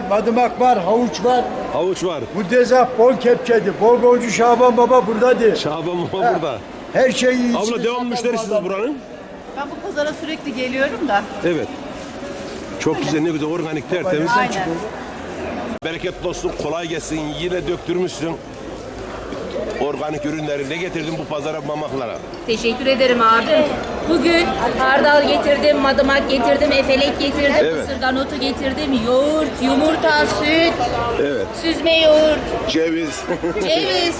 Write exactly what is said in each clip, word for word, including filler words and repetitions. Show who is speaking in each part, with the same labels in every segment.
Speaker 1: madımak var, havuç var.
Speaker 2: Havuç var.
Speaker 1: Muddezah, bol kepçedi. Bol bolcu Şaban Baba buradadır.
Speaker 2: Şaban Baba burada.
Speaker 1: Her şeyi iyisini
Speaker 2: Abla devam
Speaker 1: satan
Speaker 2: müşterisiniz
Speaker 1: adam.
Speaker 2: buranın.
Speaker 3: Ben bu pazara sürekli geliyorum da.
Speaker 2: Evet. Çok güzel, ne güzel, organik, tertemiz.
Speaker 3: Aynen.
Speaker 2: Bereketli olsun, kolay gelsin. Yine döktürmüşsün. Organik ürünleri ne getirdin bu pazara, mamaklara?
Speaker 4: Teşekkür ederim abim. Bugün hardal getirdim, madımak getirdim, efelek getirdim,
Speaker 2: Evet.
Speaker 4: ısırgan otu getirdim, yoğurt, yumurta, süt,
Speaker 2: Evet.
Speaker 4: süzme yoğurt,
Speaker 2: Ceviz.
Speaker 4: ceviz,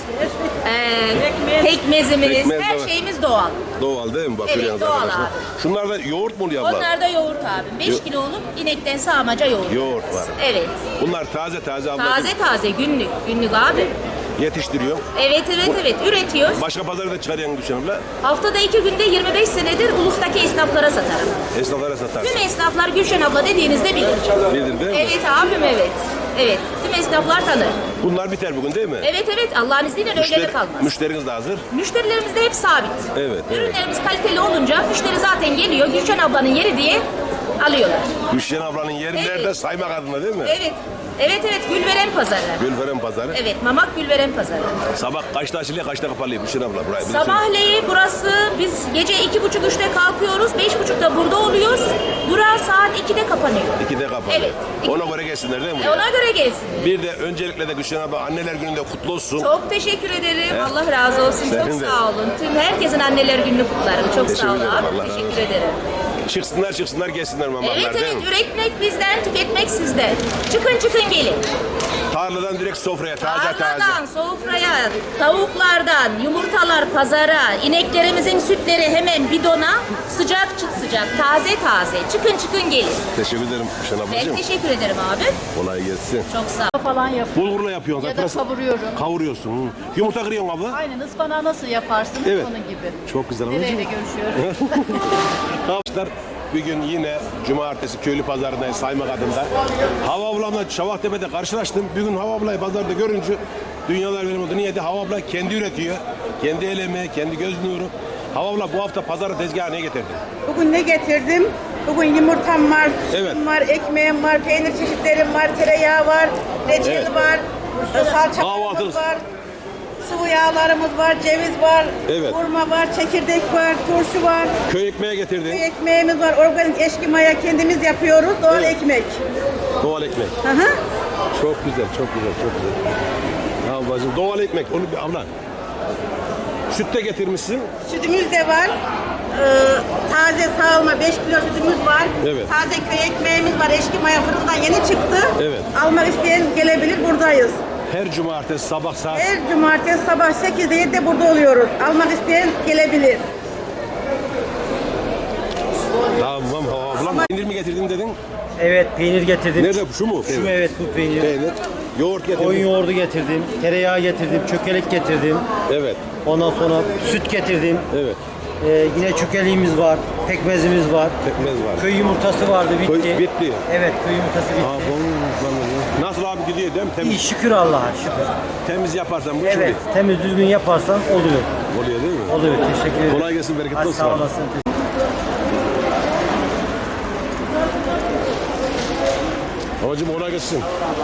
Speaker 4: eee, pekmezimiz,
Speaker 2: Pekmez de
Speaker 4: her
Speaker 2: var.
Speaker 4: şeyimiz doğal.
Speaker 2: Doğal değil mi? Bakıyor
Speaker 4: Evet,
Speaker 2: yalnız
Speaker 4: doğal
Speaker 2: arkadaşlar.
Speaker 4: abi.
Speaker 2: Şunlar da yoğurt mu oluyor abla?
Speaker 4: Onlar da yoğurt abim. beş
Speaker 2: Yo-
Speaker 4: kiloluk inekten sağmaca yoğurt.
Speaker 2: Yoğurt var.
Speaker 4: Evet.
Speaker 2: Bunlar taze taze abla.
Speaker 4: Taze taze günlük, günlük abi.
Speaker 2: Yetiştiriyor.
Speaker 4: Evet evet evet üretiyoruz.
Speaker 2: Başka pazara da çıkarıyorsun Gülşen abla.
Speaker 4: Haftada iki günde yirmi beş senedir ulustaki esnaflara satarım.
Speaker 2: Esnaflara satarsın.
Speaker 4: Tüm esnaflar Gülşen abla dediğinizde bilir.
Speaker 2: Bilir değil mi?
Speaker 4: Evet abim evet. Evet. Tüm esnaflar tanır.
Speaker 2: Bunlar biter bugün değil mi?
Speaker 4: Evet evet Allah'ın izniyle öyle
Speaker 2: Müşteri-
Speaker 4: de kalmaz.
Speaker 2: Müşteriniz de hazır.
Speaker 4: Müşterilerimiz de hep sabit.
Speaker 2: Evet, evet.
Speaker 4: Ürünlerimiz kaliteli olunca müşteri zaten geliyor. Gülşen ablanın yeri diye alıyorlar.
Speaker 2: Gülşen ablanın yeri
Speaker 4: Evet.
Speaker 2: nerede? Saymak adına değil mi?
Speaker 4: Evet. Evet evet Gülveren Pazarı.
Speaker 2: Gülferen pazarı.
Speaker 4: Evet Mamak Gülveren Pazarı.
Speaker 2: Sabah kaçta açılıyor, kaçta kapalıyor Gülşen abla? Burayı bilirsin.
Speaker 4: Sabahleyin burası biz gece iki buçuk üçte kalkıyoruz. Beş buçukta burada oluyoruz. Bura saat ikide kapanıyor.
Speaker 2: İkide kapanıyor.
Speaker 4: Evet.
Speaker 2: Ona göre gelsinler değil mi?
Speaker 4: E
Speaker 2: buraya?
Speaker 4: ona göre gelsin.
Speaker 2: Bir de öncelikle de Gülşen abla anneler gününde kutlu olsun.
Speaker 4: Çok teşekkür ederim.
Speaker 2: Evet.
Speaker 4: Allah razı olsun.
Speaker 2: Senin
Speaker 4: Çok
Speaker 2: de.
Speaker 4: sağ olun. Tüm herkesin anneler gününü kutlarım. Çok
Speaker 2: Teşekkür
Speaker 4: sağ olun
Speaker 2: ederim.
Speaker 4: abi.
Speaker 2: Allah razı
Speaker 4: Teşekkür
Speaker 2: olsun.
Speaker 4: ederim.
Speaker 2: Çıksınlar çıksınlar gelsinler mamaklar
Speaker 4: Evet
Speaker 2: değil
Speaker 4: evet
Speaker 2: mi?
Speaker 4: üretmek bizden, tüketmek sizden. Çıkın çıkın gelin.
Speaker 2: Tarladan direkt sofraya taze taze.
Speaker 4: Tarladan, sofraya, tavuklardan, yumurtalar pazara, ineklerimizin sütleri hemen bidona, sıcak çıt sıcak, taze taze. Çıkın çıkın gelin.
Speaker 2: Teşekkür ederim Gülşen
Speaker 4: Ben
Speaker 2: ablacığım.
Speaker 4: teşekkür ederim abi.
Speaker 2: Kolay gelsin.
Speaker 4: Çok sağ ol.
Speaker 3: Falan yap.
Speaker 2: Bulgurla yapıyorsun.
Speaker 3: Ya da
Speaker 2: Pırasa-
Speaker 3: kavuruyorum.
Speaker 2: Kavuruyorsun. Hı. Yumurta kırıyorsun abla.
Speaker 3: Aynen ıspanağı nasıl yaparsınız
Speaker 2: Evet.
Speaker 3: onun gibi.
Speaker 2: Çok güzel
Speaker 3: Nereyle
Speaker 2: ablacığım.
Speaker 3: görüşüyoruz?
Speaker 2: Arkadaşlar bir gün yine cumartesi köylü pazarındayız Saymak adında. Hava ablamla Çavaktepe'de karşılaştım. Bir gün Hava ablayı pazarda görünce dünyalar benim oldu. Niye de Hava abla kendi üretiyor. Kendi el emeği, kendi göz nuru. Hava abla bu hafta pazara tezgaha ne getirdin?
Speaker 5: Bugün ne getirdim? Bugün yumurtam var,
Speaker 2: Evet.
Speaker 5: sütüm var, ekmeğim var, peynir çeşitlerim var, tereyağı var, reçel
Speaker 2: Evet.
Speaker 5: var, salçalarımız
Speaker 2: Kahvaltılık.
Speaker 5: var, sıvı yağlarımız var, ceviz var,
Speaker 2: Evet.
Speaker 5: hurma var, çekirdek var, turşu var,
Speaker 2: Köy ekmeği getirdin.
Speaker 5: ekmeğimiz var, organik eşki maya kendimiz yapıyoruz, doğal
Speaker 2: Evet.
Speaker 5: ekmek.
Speaker 2: Doğal ekmek.
Speaker 5: Hı hı.
Speaker 2: Çok güzel, çok güzel, çok güzel. Ya ablacığım doğal ekmek. Onu bir abla. Süt de getirmişsin.
Speaker 5: Sütümüz de var. Ee, taze sağılma beş kilo sütümüz var.
Speaker 2: Evet.
Speaker 5: Taze köy ekmeğimiz var. Eşki maya fırından yeni çıktı.
Speaker 2: Evet.
Speaker 5: Almak isteyen gelebilir, buradayız.
Speaker 2: Her cumartesi sabah saat.
Speaker 5: Her cumartesi sabah sekizde yedide burada oluyoruz. Almak isteyen gelebilir.
Speaker 2: Tamam Hava ablam. Peynir mi getirdin dedin?
Speaker 6: Evet, peynir getirdim.
Speaker 2: Nerede bu? Şu mu?
Speaker 6: Şu mu? Evet, bu peynir.
Speaker 2: Peynir. Yoğurt getirdin.
Speaker 6: Koyun yoğurdu getirdim, tereyağı getirdim, çökelek getirdim.
Speaker 2: Evet.
Speaker 6: Ondan sonra süt getirdim.
Speaker 2: Evet.
Speaker 6: Ee, yine çökeliğimiz var, pekmezimiz var.
Speaker 2: Pekmez var.
Speaker 6: Köy yumurtası vardı, bitti.
Speaker 2: Köy- bitti.
Speaker 6: Evet, köy yumurtası bitti.
Speaker 2: Aa, bu- Nasıl abi gidiyor değil mi? Temiz,
Speaker 6: İyi, şükür Allah'a, şükür.
Speaker 2: temiz yaparsan bu
Speaker 6: Evet,
Speaker 2: şimdi
Speaker 6: temiz düzgün yaparsan oluyor.
Speaker 2: oluyor değil mi?
Speaker 6: Oluyor, teşekkür ederim.
Speaker 2: Kolay gelsin, bereketli
Speaker 6: Hadi
Speaker 2: olsun
Speaker 6: sağ
Speaker 2: abi.
Speaker 6: olasın.
Speaker 2: Babacığım kolay gelsin.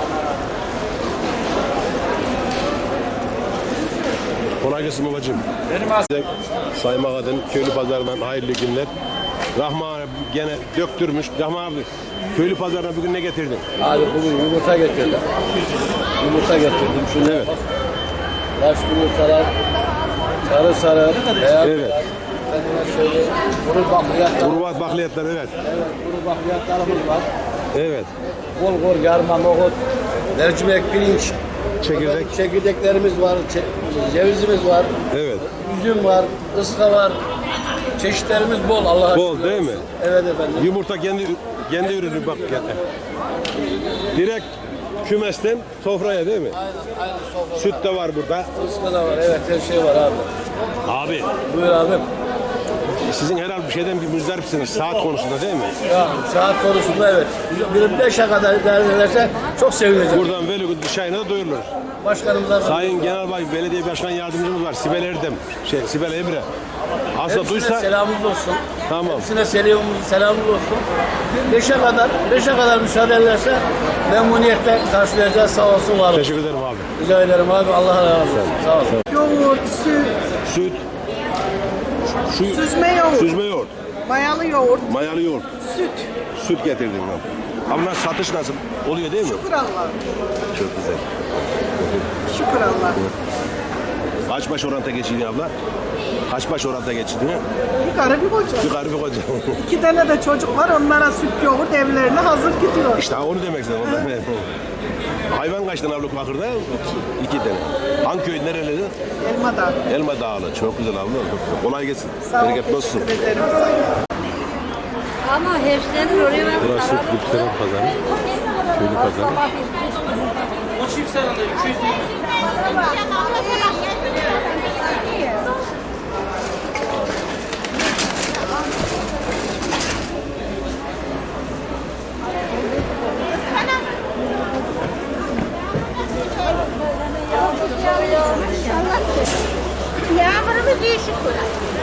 Speaker 2: Kolay gelsin babacığım. Benim Saymak adın köylü pazarından hayırlı günler. Rahman abi gene döktürmüş. Rahman abi köylü pazarına bugün ne getirdin?
Speaker 7: Abi bugün yumurta getirdim. Yumurta getirdim. Şunu
Speaker 2: Evet.
Speaker 7: bak. Yaş yumurtalar sarı sarı, beyaz
Speaker 2: Evet.
Speaker 7: beyaz. Efendime söyleyeyim. Kuru bakliyatlar.
Speaker 2: Kurbat bakliyatlar evet.
Speaker 7: Evet, kuru bakliyatlarımız var.
Speaker 2: Evet.
Speaker 7: Bol bol yarma, nohut, mercimek, pirinç.
Speaker 2: Çekirdek.
Speaker 7: Efendim, çekirdeklerimiz var, çe- cevizimiz var,
Speaker 2: Evet.
Speaker 7: üzüm var, ıska var. Çeşitlerimiz bol Allah'a
Speaker 2: Bol
Speaker 7: şükür
Speaker 2: değil
Speaker 7: olsun.
Speaker 2: mi?
Speaker 7: Evet efendim.
Speaker 2: Yumurta kendi kendi ürünü bak. Direkt kümesten sofraya değil mi?
Speaker 7: Aynen, aynen sofra.
Speaker 2: Süt de var burada.
Speaker 7: Iska da var, evet her şey var abi.
Speaker 2: Abi
Speaker 7: Buyur abim.
Speaker 2: sizin herhalde bir şeyden bir müzdaripsiniz saat konusunda değil mi?
Speaker 7: Ya saat konusunda evet. Bir beşe kadar idare ederse çok sevineceğim.
Speaker 2: Buradan Veligud Şahin'e de duyurulur.
Speaker 7: Başkanımıza
Speaker 2: Sayın Genelbay Belediye Başkan Yardımcımız var Sibel Erdem. Şey Sibel Emre. Aslında
Speaker 7: hepsine
Speaker 2: duysa
Speaker 7: selamımız olsun.
Speaker 2: Tamam.
Speaker 7: Hepsine selamımız, selamımız olsun. Beşe kadar, beşe kadar müsaade ederse memnuniyetle karşılayacağız. Sağ olsun, var olsun.
Speaker 2: Teşekkür ederim abi.
Speaker 7: Rica ederim abi. Allah razı olsun. Sağ olsun.
Speaker 5: Yoğurt, süt,
Speaker 2: Süt. Şu,
Speaker 5: süzme yoğurt,
Speaker 2: süzme yoğurt.
Speaker 5: mayalı yoğurt,
Speaker 2: Mayalı yoğurt.
Speaker 5: süt.
Speaker 2: Süt getirdim ben. Abla satış nasıl? Oluyor değil mi?
Speaker 5: Şükür Allah.
Speaker 2: Çok güzel.
Speaker 5: Şükür Allah.
Speaker 2: Kaç baş oranta geçirdin abla? Kaç baş oranta geçirdin?
Speaker 5: Bir karı bir koca.
Speaker 2: Bir karı bir koca.
Speaker 5: İki tane de çocuk var. Onlara süt yoğurt evlerine hazır gidiyor.
Speaker 2: İşte onu demek istedim. Ondan. Hayvan kaç tane abla Bakır'da? İki tane. Hangi köy nereli?
Speaker 5: Elmadan.
Speaker 2: Elma Dağlı. Çok güzel abla. Kolay gelsin.
Speaker 5: Sağ ol.
Speaker 2: Bereketli olsun.
Speaker 5: Teşekkür ederim.
Speaker 8: Ama hepsinden oraya ben
Speaker 2: Burası Lükselen Pazarı. Köylü Pazarı.
Speaker 8: Yağmurumuz iyi şükür.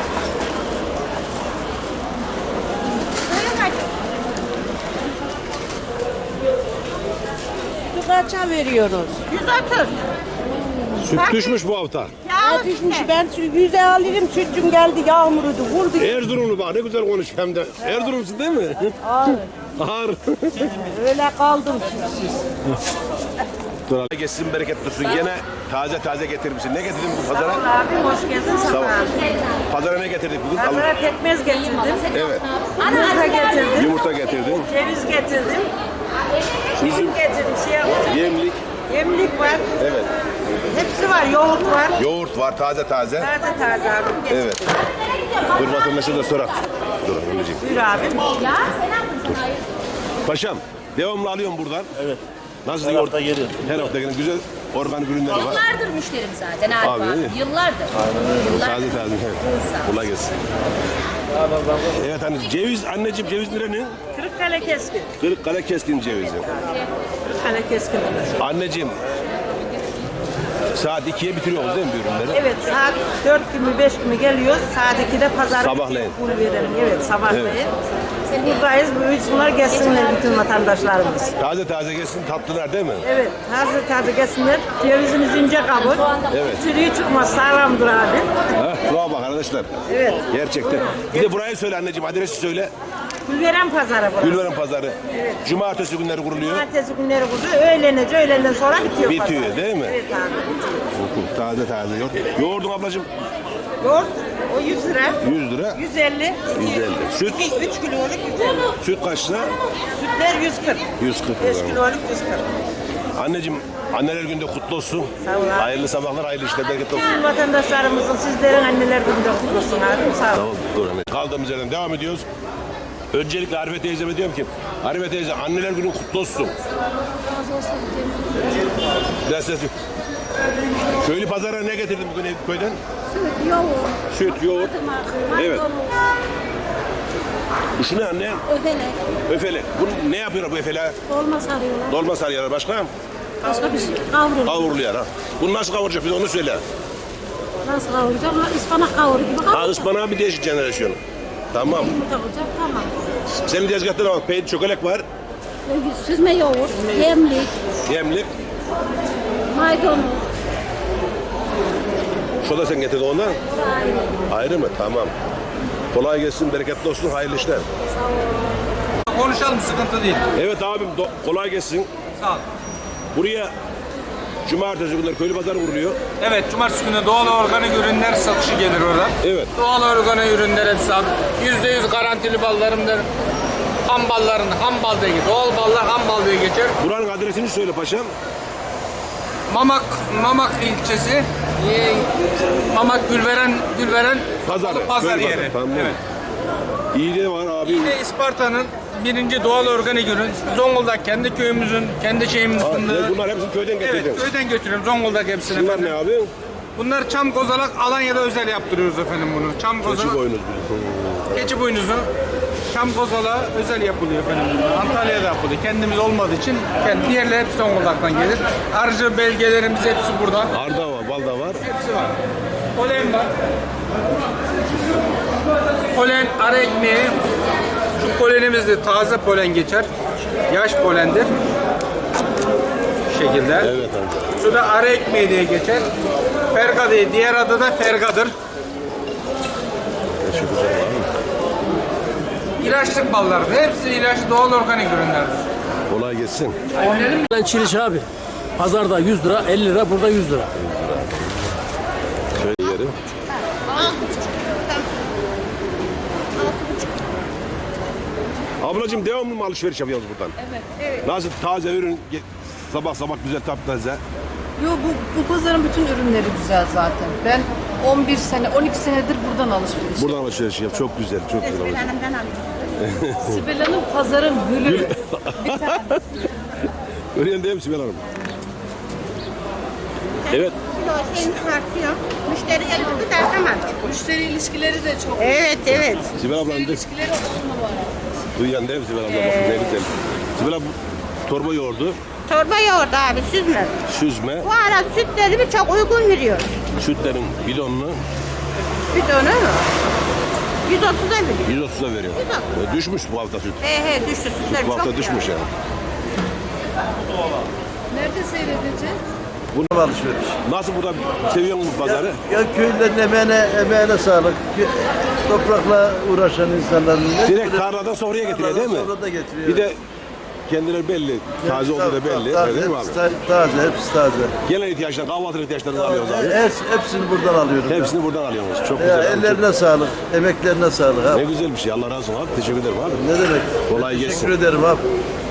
Speaker 5: Kaça veriyoruz?
Speaker 8: yüz otuz.
Speaker 2: Süt düşmüş bu hafta.
Speaker 8: Yağlı
Speaker 5: Düşmüş. Ben yüze alırım. Sütcüm geldi. Yağmurudu. Vurdu.
Speaker 2: Erzurumlu bak ne güzel konuş hem de. Erzurumsun değil mi?
Speaker 5: Ağır.
Speaker 2: Ağır.
Speaker 5: Öyle kaldım sütsüz.
Speaker 2: Dur abi. Geçsin bereketli olsun. Yine taze taze getirmişsin. Ne getirdin bu pazara?
Speaker 5: Abi hoş geldin.
Speaker 2: Sağ ol. Pazara ne getirdik bugün? Allah.
Speaker 5: Pazara pekmez getirdim.
Speaker 2: Evet.
Speaker 5: Yumurta getirdim.
Speaker 2: Yumurta getirdin.
Speaker 5: Ceviz getirdim. Üzüm getirdim. Siyah.
Speaker 2: Yemlik.
Speaker 5: Yemlik var.
Speaker 2: Evet.
Speaker 5: Hepsi var. Yoğurt var.
Speaker 2: Yoğurt var taze taze.
Speaker 5: Taze taze abi. Getirdim.
Speaker 2: Evet. Dur vatandaşa da sorak. Dur anneciğim.
Speaker 5: Buyur abi.
Speaker 2: Paşam devamlı alıyorum buradan.
Speaker 7: Evet.
Speaker 2: Nasıl
Speaker 7: Her
Speaker 2: yoğurt?
Speaker 7: hafta geliyor.
Speaker 2: Her hafta gelen güzel organik ürünleri var.
Speaker 4: Yıllardır müşterim zaten Arif
Speaker 2: Abi,
Speaker 4: abi.
Speaker 2: iyi.
Speaker 4: Yıllardır. Yıllardır.
Speaker 2: Taze taze. Evet.
Speaker 4: Sağ ol.
Speaker 2: Kolay gelsin. Evet anneciğim ceviz anneciğim ceviz nerenin?
Speaker 5: Kırıkkale keskin.
Speaker 2: Kırıkkale keskin cevizi.
Speaker 5: Kırıkkale keskin.
Speaker 2: Anneciğim saat ikiye bitiriyoruz değil mi bu ürünleri?
Speaker 5: Evet saat dört gibi beş gibi geliyoruz. Saat ikide pazar.
Speaker 2: Sabahleyin.
Speaker 5: Bunu verelim. Evet sabahleyin.
Speaker 2: Evet.
Speaker 5: Buradayız. Bunlar gelsinler bütün vatandaşlarımız.
Speaker 2: Taze taze gelsin tatlılar değil mi?
Speaker 5: Evet. Taze taze gelsinler. Cevizimiz ince kabul.
Speaker 2: Evet.
Speaker 5: Çürüğü çıkmaz. Sağlamdır abi.
Speaker 2: Ha, bravo bak arkadaşlar.
Speaker 5: Evet.
Speaker 2: Gerçekten. Bir de burayı söyle anneciğim adresi söyle.
Speaker 5: Gülveren pazarı burası.
Speaker 2: Gülveren Pazarı. Cumartesi günleri kuruluyor.
Speaker 5: Cumartesi günleri kurdu. Öğlence öğlenden sonra bitiyor
Speaker 2: Bitiyor,
Speaker 5: pazar.
Speaker 2: değil mi?
Speaker 5: Evet abi.
Speaker 2: Taze taze yoğurt. Yoğurdun ablacığım
Speaker 5: Yoğurt o yüz lira.
Speaker 2: yüz lira.
Speaker 5: yüz elli.
Speaker 2: yüz elli. Süt
Speaker 5: üç kiloluk yüz elli.
Speaker 2: süt kaç lira?
Speaker 5: Sütler yüz kırk.
Speaker 2: yüz kırk
Speaker 5: beş
Speaker 2: lira.
Speaker 5: kiloluk yüz kırk.
Speaker 2: Anneciğim anneler günde kutlu olsun.
Speaker 5: Sağ ol abi.
Speaker 2: Hayırlı sabahlar, hayırlı işler, bereketli olsun.
Speaker 5: Bütün vatandaşlarımızın sizlerin anneler gününde kutlu olsun abi. Sağ ol.
Speaker 2: Tamam, dur anne. Kaldığımız yerden devam ediyoruz. Öncelikle Arife teyzeme diyorum ki, Arife teyze anneler günün kutlu olsun. Biraz ses yok. Köylü pazara ne getirdin bugün köyden?
Speaker 8: Süt, yoğurt,
Speaker 2: Süt, yoğurt. Evet. Bu şu ne anne?
Speaker 8: öfelek,
Speaker 2: Öfelek. Bu ne yapıyor bu efeler?
Speaker 8: dolma sarıyorlar.
Speaker 2: Dolma sarıyorlar başka?
Speaker 8: Başka bir şey kavrulur.
Speaker 2: Kavruluyor ha. Bunu nasıl kavuracak bir de onu söyle.
Speaker 8: Nasıl kavuracak? Ispanak kavur gibi
Speaker 2: Ha
Speaker 8: kavuracak.
Speaker 2: ıspanağı bir değişik jenerasyon. Tamam.
Speaker 8: Yumurta olacak, tamam.
Speaker 2: Senin tezgahta da bak peynir çökelek var.
Speaker 8: Süzme yoğurt, yemlik,
Speaker 2: Yemlik.
Speaker 8: maydanoz.
Speaker 2: Şu da sen getirdin ondan. Ayrı mı? Tamam. Kolay gelsin, bereketli olsun, hayırlı işler.
Speaker 9: Konuşalım, sıkıntı değil.
Speaker 2: Evet abim do- kolay gelsin.
Speaker 9: Sağ ol.
Speaker 2: Buraya cumartesi günleri köylü pazarı kuruluyor.
Speaker 9: Evet, cumartesi günü doğal organik ürünler satışı gelir orada.
Speaker 2: Evet.
Speaker 9: Doğal organik ürünler hepsi abi. Yüzde yüz garantili ballarımdır. Ham balların ham bal diye geçer. Doğal ballar ham bal diye geçer.
Speaker 2: Buranın adresini söyle paşam.
Speaker 9: Mamak, Mamak ilçesi. e, Mamak Gülveren, Gülveren
Speaker 2: Pazarı.
Speaker 9: Pazar
Speaker 2: köylü
Speaker 9: yeri.
Speaker 2: pazarı, Tamam.
Speaker 9: Evet.
Speaker 2: İyi de var abi.
Speaker 9: Yine Isparta'nın birinci doğal organik ürün. Zonguldak kendi köyümüzün, kendi şeyimizin
Speaker 2: Ha,
Speaker 9: fındığı.
Speaker 2: bunlar hepsini köyden getirdin.
Speaker 9: Evet, köyden götürüyorum Zonguldak hepsini.
Speaker 2: Bunlar
Speaker 9: efendim.
Speaker 2: ne abi?
Speaker 9: Bunlar çam kozalak, Alanya'da özel yaptırıyoruz efendim bunu. Çam
Speaker 2: Keçi
Speaker 9: kozalak.
Speaker 2: boynuz.
Speaker 9: Keçi boynuzu, çam kozala özel yapılıyor efendim. Antalya'da yapılıyor. Kendimiz olmadığı için kendi diğerleri hepsi Zonguldak'tan gelir. Arıcı belgelerimiz hepsi burada.
Speaker 2: Arda var, bal da var.
Speaker 9: Hepsi var. Polen var. Polen, ara ekmeği. Şu polenimiz de taze polen geçer. Yaş polendir. Bu şekilde.
Speaker 2: Evet amca.
Speaker 9: Şu da ara ekmeği diye geçer. Ferga diye, diğer adı da fergadır.
Speaker 2: Şu güzel var mı?
Speaker 9: İlaçlık ballardır. Hepsi ilaçlı doğal organik ürünlerdir.
Speaker 2: Kolay gelsin.
Speaker 10: Ben Çiliş abi. Pazarda yüz lira, elli lira, burada yüz lira.
Speaker 2: Şöyle yerim. Ablacığım devamlı mı alışveriş yapıyoruz buradan?
Speaker 3: Evet. Evet.
Speaker 2: Nasıl taze ürün ge- sabah sabah güzel taptaze.
Speaker 3: Yo bu, bu pazarın bütün ürünleri güzel zaten. Ben on bir sene, on iki senedir buradan alışveriş.
Speaker 2: Buradan alışveriş yap. Çok güzel, çok güzel.
Speaker 5: Esmer
Speaker 2: ablacığım.
Speaker 5: Hanım'dan alıyorum.
Speaker 3: Sibel Hanım pazarın gülü. Bir tane.
Speaker 2: Öyle değil mi Sibel Hanım? Evet.
Speaker 5: Kilo şeyini tartıyor. Müşteri gelip de tamam.
Speaker 3: Müşteri ilişkileri de çok.
Speaker 5: Evet, evet.
Speaker 2: Sibel ablanın de
Speaker 3: İlişkileri on numara.
Speaker 2: duyan değil mi Sibel abla? Bakın ne güzel. Sibel abla torba yoğurdu,
Speaker 5: Torba yoğurdu abi, süzme.
Speaker 2: süzme,
Speaker 5: Bu ara sütlerimi çok uygun veriyor.
Speaker 2: sütlerin bidonunu
Speaker 5: Süt onu yüz otuza veriyor.
Speaker 2: yüz otuza veriyor.
Speaker 5: yüz otuz.
Speaker 2: E, Düşmüş bu hafta süt.
Speaker 5: He he düştü sütler
Speaker 2: Bu
Speaker 5: çok
Speaker 2: hafta düşmüş yani.
Speaker 3: Nerede seyredeceğiz?
Speaker 1: Bunu alışveriş.
Speaker 2: Nasıl burada seviyor musun pazarı?
Speaker 1: Ya köylülerin emeğine, emeğine sağlık. Kö- Toprakla uğraşan insanların.
Speaker 2: Direkt tarladan sofraya getiriyor değil mi?
Speaker 1: Sonra da getiriyor.
Speaker 2: Bir de kendileri belli. Taze olduğu da belli.
Speaker 1: Taze,
Speaker 2: Öyle değil mi abi?
Speaker 1: hepsi ta- taze, hepsi taze.
Speaker 2: Gelen ihtiyaçlar, kahvaltılık ihtiyaçlarını alıyoruz abi.
Speaker 1: Hepsi, hepsini buradan alıyorum.
Speaker 2: Hepsini buradan alıyoruz. Çok
Speaker 1: Ya,
Speaker 2: güzel.
Speaker 1: ya
Speaker 2: abi.
Speaker 1: ellerine sağlık, emeklerine sağlık
Speaker 2: Ne
Speaker 1: abi.
Speaker 2: güzel bir şey. Allah razı olsun abi. Teşekkür ederim abi.
Speaker 1: Ne demek?
Speaker 2: Kolay gelsin.
Speaker 1: Teşekkür ederim abi.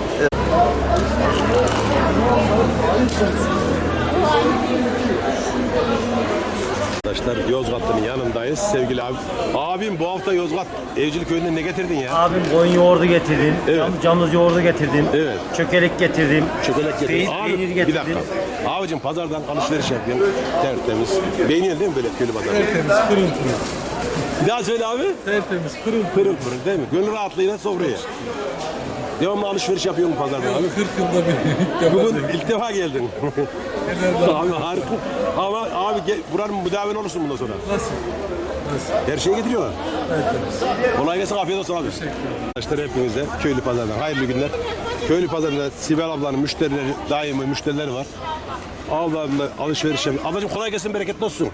Speaker 2: Arkadaşlar Yozgatlı'nın yanındayız. Sevgili abi. Abim bu hafta Yozgat Evcilik Köyü'nden ne getirdin ya?
Speaker 6: Abim koyun yoğurdu getirdim.
Speaker 2: Evet.
Speaker 6: Cam, camız yoğurdu getirdim.
Speaker 2: Evet.
Speaker 6: Çökelek getirdim.
Speaker 2: Çökelek getirdin.
Speaker 6: Peynir,
Speaker 2: Abi
Speaker 6: peynir
Speaker 2: bir
Speaker 6: getirdim.
Speaker 2: dakika. Abicim pazardan alışveriş yapıyorum. Tertemiz. Beğeniyorsun değil mi böyle köylü pazarı?
Speaker 10: Tertemiz, pırıl pırıl.
Speaker 2: Bir daha söyle abi.
Speaker 10: Tertemiz, pırıl
Speaker 2: Pırıl pırıl değil mi? Gönül rahatlığıyla sofraya. Devamlı alışveriş yapıyor mu pazardan abi?
Speaker 10: kırk yılda bir ilk defa.
Speaker 2: Bugün ilk defa geldin. abi harika. Ama abi gel, buranın müdavin olursun bundan sonra.
Speaker 10: Nasıl?
Speaker 2: Her şeyi getiriyorlar. Kolay gelsin, afiyet olsun abi. Arkadaşlar hepinize köylü pazarından hayırlı günler. Köylü pazarında Sibel ablanın müşterileri, daimi müşterileri var. Ablamla alışveriş yapıyor. Ablacığım kolay gelsin, bereketli olsun.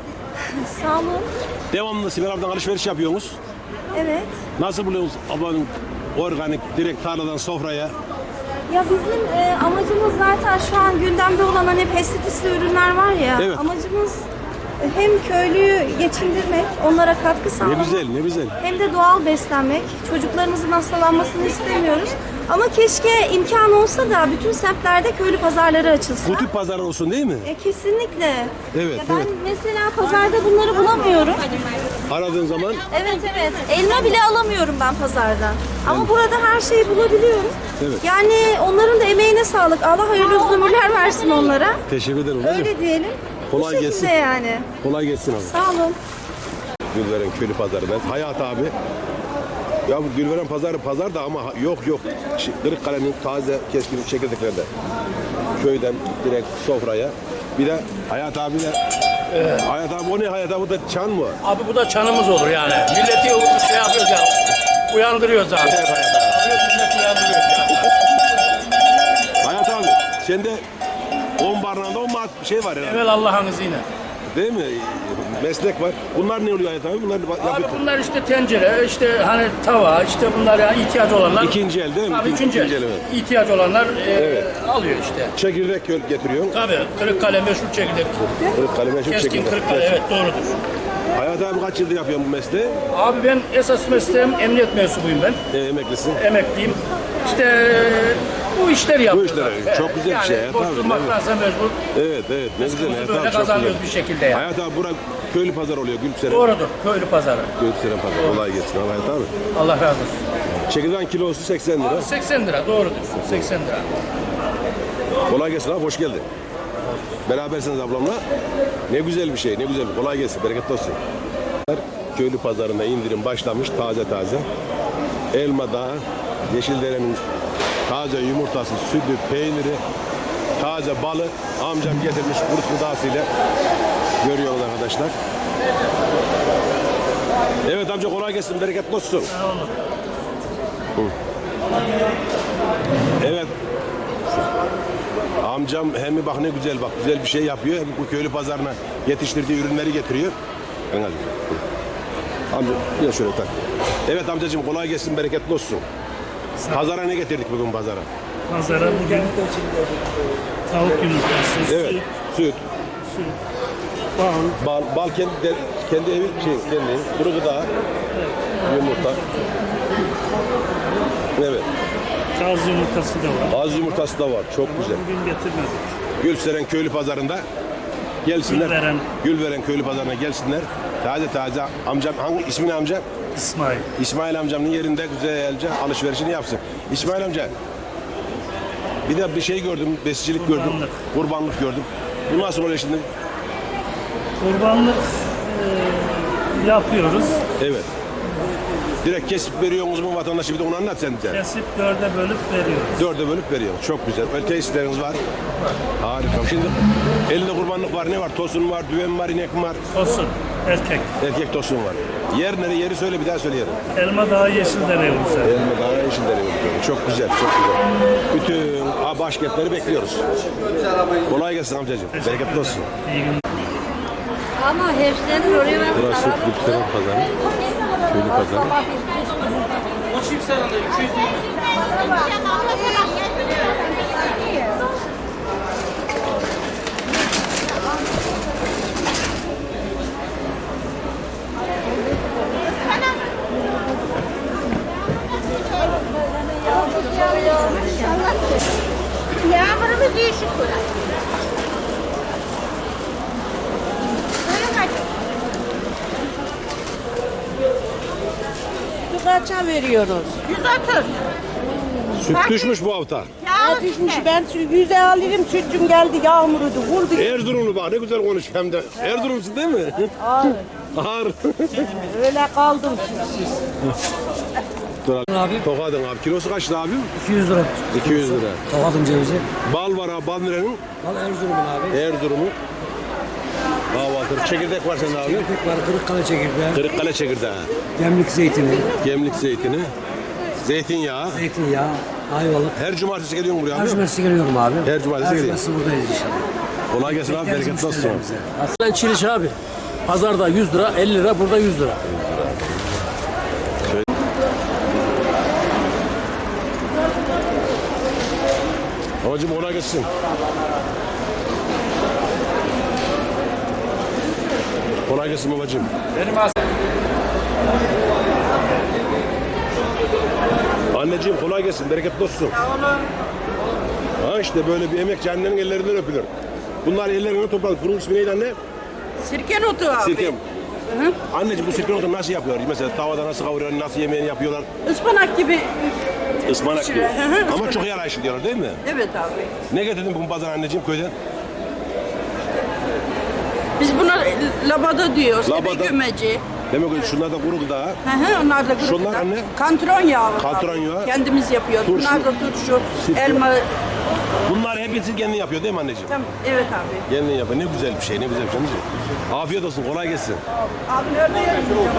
Speaker 8: Sağ olun.
Speaker 2: Devamlı Sibel abladan alışveriş yapıyorsunuz.
Speaker 8: Evet.
Speaker 2: Nasıl buluyorsunuz ablanın organik, direkt tarladan sofraya?
Speaker 8: Ya bizim e, amacımız zaten şu an gündemde olan hani pestisitli ürünler var ya.
Speaker 2: Evet.
Speaker 8: Amacımız e, hem köylüyü geçindirmek, onlara katkı
Speaker 2: Ne
Speaker 8: sağlamak.
Speaker 2: güzel, ne güzel.
Speaker 8: Hem de doğal beslenmek. Çocuklarımızın hastalanmasını istemiyoruz. Ama keşke imkan olsa da bütün semtlerde köylü pazarları açılsa.
Speaker 2: Bu tip pazar olsun değil mi?
Speaker 8: E, kesinlikle.
Speaker 2: Evet,
Speaker 8: Ya ben
Speaker 2: evet.
Speaker 8: mesela pazarda bunları bulamıyorum.
Speaker 2: Aradığın zaman
Speaker 8: Evet evet. Elma bile alamıyorum ben pazardan. Ama burada her şeyi bulabiliyorum.
Speaker 2: Evet.
Speaker 8: Yani onların da emeğine sağlık. Allah hayırlı uzun ömürler versin onlara.
Speaker 2: teşekkür ederim. hocam.
Speaker 8: Öyle diyelim.
Speaker 2: Kolay
Speaker 8: Bu şekilde
Speaker 2: gelsin.
Speaker 8: yani.
Speaker 2: Kolay gelsin abi.
Speaker 8: Sağ olun.
Speaker 2: Gülveren köylü pazarı. Ben Hayat abi. Ya bu Gülveren pazarı pazar da ama yok yok. Ş- Kırıkkale'nin taze keskin çekirdeklerde. Köyden direkt sofraya. Bir de Hayat abi de Hayat abi o ne Hayat abi, bu da çan mı?
Speaker 10: Abi bu da çanımız olur yani. Milleti şey yapıyoruz ya. Uyandırıyoruz abi. Evet, milleti uyandırıyoruz ya.
Speaker 2: Hayat abi sende on barnağında on mat şey var ya.
Speaker 10: Evvel Allah'ın izniyle.
Speaker 2: Değil mi? Meslek var. Bunlar ne oluyor Hayat abi? Bunlar
Speaker 10: Abi
Speaker 2: yapıyor.
Speaker 10: bunlar işte tencere, işte hani tava, işte bunlar ya ihtiyaç olanlar.
Speaker 2: İkinci el değil mi?
Speaker 10: Tabii
Speaker 2: İkinci-
Speaker 10: üçüncü el.
Speaker 2: ikinci el, evet.
Speaker 10: İhtiyaç olanlar e,
Speaker 2: Evet.
Speaker 10: alıyor işte.
Speaker 2: Çekirdek göl getiriyorsun.
Speaker 10: Tabii Kırıkkale meşhur çekirdek.
Speaker 2: Kırıkkale meşhur
Speaker 10: Keskin
Speaker 2: çekirdek.
Speaker 10: Kırıkkale, evet doğrudur.
Speaker 2: Hayat abi kaç yıldır yapıyorsun bu mesleği?
Speaker 10: Abi ben esas mesleğim emniyet mensubuyum ben.
Speaker 2: E, emeklisin.
Speaker 10: Emekliyim. İşte bu işleri yapıyoruz.
Speaker 2: işleri,
Speaker 10: abi.
Speaker 2: çok güzel bir
Speaker 10: yani
Speaker 2: şey ya,
Speaker 10: boş
Speaker 2: tabii,
Speaker 10: durmaktansa mecbur.
Speaker 2: Evet evet ne güzel.
Speaker 10: Rızkımızı
Speaker 2: Hayat
Speaker 10: böyle
Speaker 2: abi, çok
Speaker 10: kazanıyoruz
Speaker 2: güzel.
Speaker 10: bir şekilde yani.
Speaker 2: Hayat abi bura köylü pazar oluyor Gülseren.
Speaker 10: Doğrudur. Köylü pazarı.
Speaker 2: Gülseren pazar. Kolay gelsin abi Hayat abi.
Speaker 10: Allah razı olsun.
Speaker 2: Çekirdeğin kilosu seksen lira.
Speaker 10: Abi seksen lira doğrudur. seksen lira.
Speaker 2: Kolay gelsin abi, hoş geldin. Berabersiniz ablamla. Ne güzel bir şey, ne güzel. Kolay gelsin, bereketli olsun. Köylü pazarında indirim başlamış, taze taze. Elma Dağı, Yeşildere'nin taze yumurtası, sütü, peyniri, taze balı amcam getirmiş kurt gıdasıyla görüyoruz arkadaşlar. Evet amca kolay gelsin, bereketli olsun.
Speaker 10: Sağ olun.
Speaker 2: Hı. Evet. Amcam hem bak ne güzel bak güzel bir şey yapıyor hem bu köylü pazarına yetiştirdiği ürünleri getiriyor. Ben hadi. Amca gel şöyle tak. Evet amcacığım kolay gelsin, bereketli olsun. Pazara ne getirdik bugün pazara?
Speaker 10: Pazara bugün tavuk yumurtası,
Speaker 2: Evet, süt,
Speaker 10: süt, bal,
Speaker 2: bal, bal kendi de, kendi evi şey kendi kuru gıda, yumurta. Evet.
Speaker 10: kaz yumurtası da var.
Speaker 2: Az yumurtası da var. Çok güzel.
Speaker 10: Bugün getirmedik.
Speaker 2: Gülseren köylü pazarında gelsinler.
Speaker 10: Gülveren.
Speaker 2: Gülveren köylü pazarına gelsinler. Taze taze amcam hangi ismi ne amca?
Speaker 10: İsmail.
Speaker 2: İsmail amcamın yerinde güzelce alışverişini yapsın. İsmail amca bir de bir şey gördüm, besicilik gördüm.
Speaker 10: Kurbanlık.
Speaker 2: Kurbanlık gördüm. Bu nasıl oluyor şimdi?
Speaker 10: Kurbanlık e, yapıyoruz.
Speaker 2: Evet. Direkt kesip veriyorsunuz mu vatandaşı, bir de onu anlat sen de.
Speaker 10: Kesip dörde bölüp veriyoruz.
Speaker 2: Dörde bölüp veriyor. Çok güzel. Öyle tesisleriniz var. Harika. Şimdi elinde kurbanlık var. Ne var? Tosun var, düven var, inek var.
Speaker 10: Tosun, erkek.
Speaker 2: Erkek tosun var. Yer nere? Yeri söyle, bir daha söyleyelim.
Speaker 10: Elma Dağı Yeşildere yolumuza.
Speaker 2: Elma Dağı Yeşildere yolu. Çok güzel, çok güzel. Bütün başkentleri bekliyoruz. Kolay gelsin amcacığım. Bereketli olsun.
Speaker 10: İyi günler.
Speaker 8: Ama hepsilerin oraya ben
Speaker 2: Burası Lübseren Pazarı. Köylü Pazarı.
Speaker 5: Yağmurumuz iyi şükür.
Speaker 3: Kaça veriyoruz?
Speaker 5: yüz otuz.
Speaker 2: Süt düşmüş bu hafta.
Speaker 5: Yağ
Speaker 3: Düşmüş. Ben yüze alırım, sütüm geldi, yağmurudu, vurdu.
Speaker 2: Erzurumlu bak ne güzel konuş hem de. Erzurumlusun değil mi?
Speaker 3: Ağır.
Speaker 2: Ağır.
Speaker 3: Öyle kaldım sütsüz.
Speaker 2: Dur abi. Tokadın abi. Kilosu kaçtı abim?
Speaker 6: iki yüz lira.
Speaker 2: iki yüz lira.
Speaker 6: Tokat'ın cevizi.
Speaker 2: Bal var abi. Bal nerenin?
Speaker 6: Bal Erzurum'un abi.
Speaker 2: Erzurum'un. Kahvaltı. Çekirdek var sende abi.
Speaker 6: Çekirdek var, Kırıkkale çekirdeği.
Speaker 2: Kırıkkale çekirdeği.
Speaker 6: Gemlik zeytini.
Speaker 2: Gemlik zeytini. Zeytinyağı.
Speaker 6: Zeytinyağı. Ayvalık.
Speaker 2: Her cumartesi geliyorsun buraya
Speaker 6: Her
Speaker 2: abi.
Speaker 6: cumartesi geliyorum abi.
Speaker 2: Her cumartesi
Speaker 6: Her
Speaker 2: geliyorsun.
Speaker 6: cumartesi buradayız inşallah.
Speaker 2: Kolay gelsin abi. Bereketli olsun.
Speaker 10: Ben Çiliş abi. Pazarda yüz lira, elli lira, burada yüz lira.
Speaker 2: Babacım kolay gelsin. Kolay gelsin babacım.
Speaker 9: Benim as-
Speaker 2: Anneciğim kolay gelsin. Bereketli olsun.
Speaker 5: Sağ olun.
Speaker 2: Ha işte böyle bir emekçi annenin ellerinden öpülür. Bunlar ellerinden topladık. Bunun ismi neydi anne?
Speaker 5: Sirke notu abi.
Speaker 2: Sirke. Anneciğim bu sirke notu nasıl yapıyor? Mesela tavada nasıl kavuruyorlar, nasıl yemeğini yapıyorlar?
Speaker 5: Ispanak gibi.
Speaker 2: Ispanak gibi.
Speaker 5: Hı hı.
Speaker 2: Ama çok yarayışlı diyorlar değil mi?
Speaker 5: Evet abi.
Speaker 2: Ne getirdin bugün pazar anneciğim köyden?
Speaker 5: Biz buna labada diyoruz.
Speaker 2: Labada.
Speaker 5: Ebe gömeci.
Speaker 2: Demek ki şunlar da kuru gıda.
Speaker 5: Hı hı, onlar da kuru
Speaker 2: Şunlar
Speaker 5: gıda.
Speaker 2: anne?
Speaker 5: Kantron yağı.
Speaker 2: Kantron
Speaker 5: abi.
Speaker 2: yağı.
Speaker 5: Kendimiz yapıyoruz.
Speaker 2: Turşu.
Speaker 5: Bunlar da turşu,
Speaker 2: Sirke.
Speaker 5: elma.
Speaker 2: Bunlar hepsi kendin yapıyor değil mi anneciğim?
Speaker 5: Tamam, evet abi.
Speaker 2: Kendin yapıyor. Ne güzel bir şey, ne güzel bir şey. anneciğim. Afiyet olsun, kolay gelsin.
Speaker 5: Abi nerede yerim?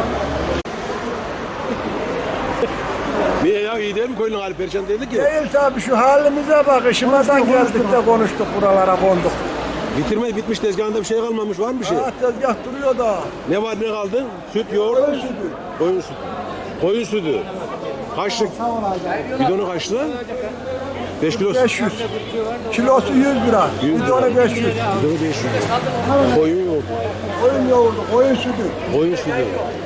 Speaker 2: Niye ya? İyi değil mi köylünün hali perişan değildi ki?
Speaker 7: Değil tabii şu halimize bak. Işımadan geldik de konuştuk buralara konduk.
Speaker 2: Bitirme bitmiş, tezgahında bir şey kalmamış, var mı bir şey?
Speaker 7: Ha, tezgah duruyor da.
Speaker 2: Ne var ne kaldı? Süt, yoğurt.
Speaker 7: Koyun sütü.
Speaker 2: Koyun sütü. Koyun sütü. Kaçlık? Bidonu kaç lira? beş kilosu.
Speaker 7: beş yüz. Kilosu yüz lira.
Speaker 2: yüz
Speaker 7: Bir tane
Speaker 2: lira.
Speaker 7: beş yüz.
Speaker 2: Bidonu beş yüz. Koyun yoğurdu.
Speaker 7: Koyun yoğurdu, koyun sütü.
Speaker 2: Koyun sütü.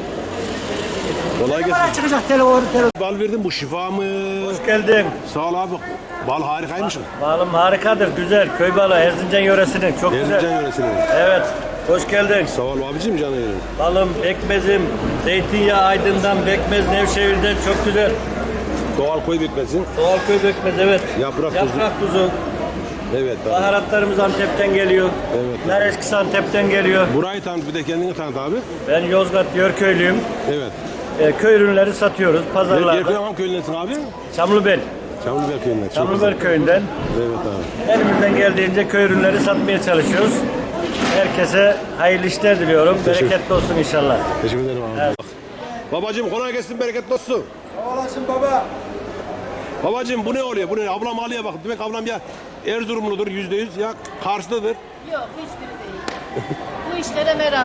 Speaker 2: Kolay gelsin.
Speaker 7: Çıkacak telefonu telefonu.
Speaker 2: Bal verdin, bu şifa mı?
Speaker 6: Hoş geldin.
Speaker 2: Sağ ol abi. Bal harikaymış.
Speaker 6: Balım harikadır, güzel. Köy balı, Erzincan yöresinin. Çok güzel.
Speaker 2: Erzincan yöresinin.
Speaker 6: Evet. Hoş geldin.
Speaker 2: Sağ ol abicim, canım benim.
Speaker 6: Balım, bekmezim, zeytinyağı Aydın'dan, bekmez Nevşehir'den çok güzel.
Speaker 2: Doğal koy bitmesin.
Speaker 6: Doğal köy bekmez, evet.
Speaker 2: Yaprak tuzu.
Speaker 6: Yaprak tuzu.
Speaker 2: Evet abi.
Speaker 6: Baharatlarımız Antep'ten geliyor.
Speaker 2: Evet.
Speaker 6: Nar eskisi Antep'ten geliyor.
Speaker 2: Burayı tanıt, bir de kendini tanıt abi.
Speaker 6: Ben Yozgat Yörköylüyüm.
Speaker 2: Evet.
Speaker 6: E, köy ürünleri satıyoruz
Speaker 2: Yer
Speaker 6: pazarlarda.
Speaker 2: Yerköy'ün köyündesin abi?
Speaker 6: Çamlıbel.
Speaker 2: Çamlıbel köyünden. Çok
Speaker 6: Çamlıbel köyünden.
Speaker 2: güzel. Evet abi.
Speaker 6: Elimizden geldiğince köy ürünleri satmaya çalışıyoruz. Herkese hayırlı işler diliyorum.
Speaker 2: Teşekkür-
Speaker 6: Bereketli olsun inşallah.
Speaker 2: Teşekkür ederim abi.
Speaker 6: Evet.
Speaker 2: Bak, Babacığım kolay gelsin, bereketli olsun.
Speaker 7: Sağ olasın baba.
Speaker 2: Babacığım bu ne oluyor? Bu ne? Ablam ağlıyor bak. Demek ablam ya Erzurumludur yüzde yüz ya Karslıdır.
Speaker 3: Yok hiçbiri değil. Bu işlere merak.